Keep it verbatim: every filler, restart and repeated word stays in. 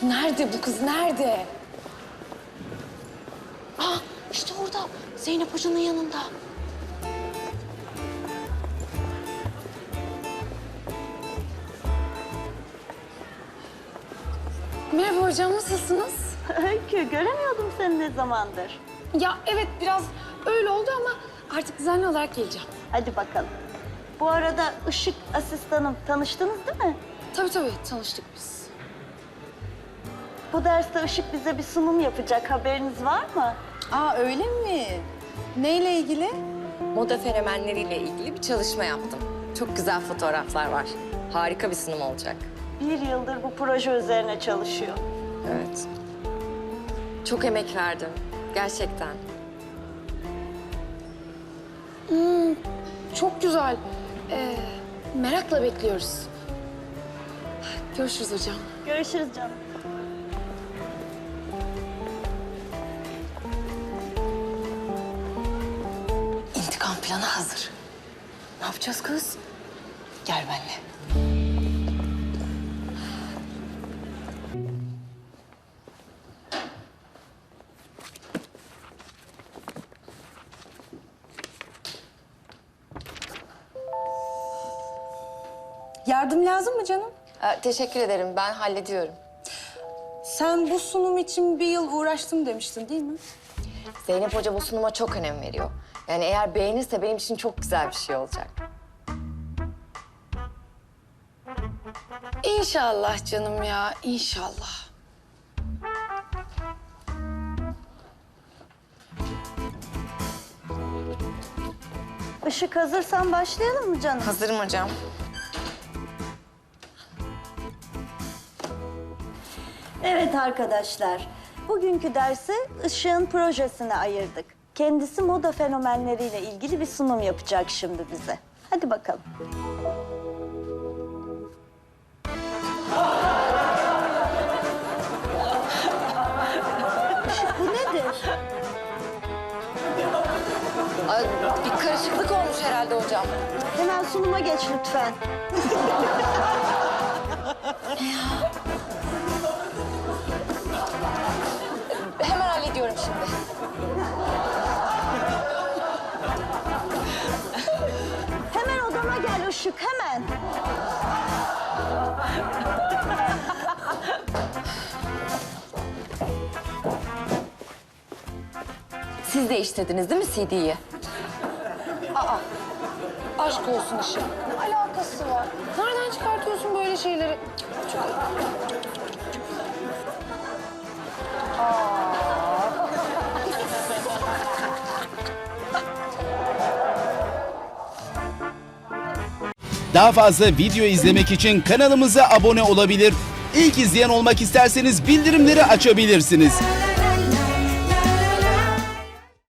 Nerede bu kız, nerede? Aa, işte orada. Zeynep Hoca'nın yanında. Merhaba hocam, nasılsınız? Öykü, göremiyordum seni ne zamandır. Ya evet, biraz öyle oldu ama artık düzenli olarak geleceğim. Hadi bakalım. Bu arada Işık asistanım, tanıştınız değil mi? Tabii tabii, tanıştık biz. Bu derste Işık bize bir sunum yapacak, haberiniz var mı? Aa öyle mi? Neyle ilgili? Moda fenomenleriyle ilgili bir çalışma yaptım. Çok güzel fotoğraflar var. Harika bir sunum olacak. Bir yıldır bu proje üzerine çalışıyor. Evet. Çok emek verdim. Gerçekten. Hmm, çok güzel. Ee, merakla bekliyoruz. Görüşürüz hocam. Görüşürüz canım. İntikam planı hazır. Ne yapacağız kız? Gel benimle. Yardım lazım mı canım? Ee, teşekkür ederim. Ben hallediyorum. Sen bu sunum için bir yıl uğraştım demiştin değil mi? Zeynep Hoca bu sunuma çok önem veriyor. Yani eğer beğenirse benim için çok güzel bir şey olacak. İnşallah canım ya, inşallah. Işık hazırsan başlayalım mı canım? Hazırım hocam. Evet arkadaşlar, bugünkü dersi Işık'ın projesine ayırdık. Kendisi moda fenomenleriyle ilgili bir sunum yapacak şimdi bize. Hadi bakalım. Işık, bu nedir? Ay, bir karışıklık olmuş herhalde hocam. Hemen sunuma geç lütfen. Hemen hallediyorum şimdi. Hemen odama gel Işık, hemen. Siz de işlediniz değil mi C D'yi? Aşk olsun Işıl. Ne alakası var? Nereden çıkartıyorsun böyle şeyleri? Çok Daha fazla video izlemek için kanalımıza abone olabilir. İlk izleyen olmak isterseniz bildirimleri açabilirsiniz.